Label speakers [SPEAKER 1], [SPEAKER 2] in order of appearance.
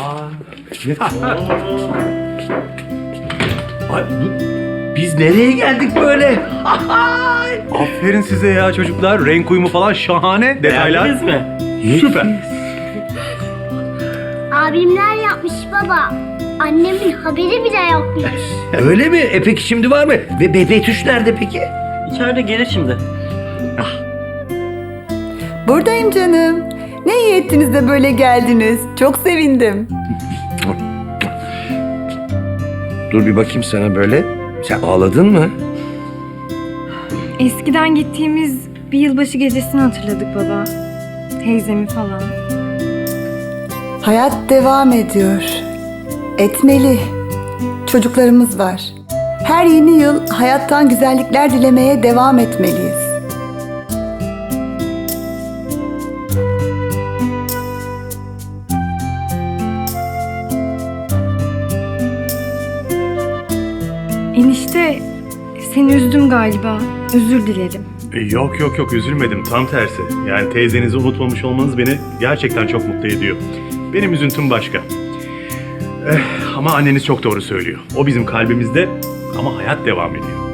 [SPEAKER 1] Ay, biz nereye geldik böyle?
[SPEAKER 2] Aferin size ya çocuklar. Renk uyumu falan şahane. Detaylar.
[SPEAKER 3] Beğendiniz mi?
[SPEAKER 2] Süper.
[SPEAKER 4] Abimler yapmış baba. Annemin haberi bile yokmuş.
[SPEAKER 1] Öyle mi? Peki şimdi var mı? Ve Betüş nerede peki?
[SPEAKER 3] İçeride gelir şimdi.
[SPEAKER 5] Buradayım canım. Ne iyi ettiniz de böyle geldiniz. Çok sevindim.
[SPEAKER 1] Dur bir bakayım sana böyle. Sen ağladın mı?
[SPEAKER 6] Eskiden gittiğimiz bir yılbaşı gecesini hatırladık baba. Teyzemi falan.
[SPEAKER 5] Hayat devam ediyor. Etmeli. Çocuklarımız var. Her yeni yıl hayattan güzellikler dilemeye devam etmeliyiz.
[SPEAKER 6] Enişte, seni üzdüm galiba. Özür dilerim.
[SPEAKER 2] Yok üzülmedim. Tam tersi. Yani teyzenizi unutmamış olmanız beni gerçekten çok mutlu ediyor. Benim üzüntüm başka. Ama anneniz çok doğru söylüyor. O bizim kalbimizde ama hayat devam ediyor.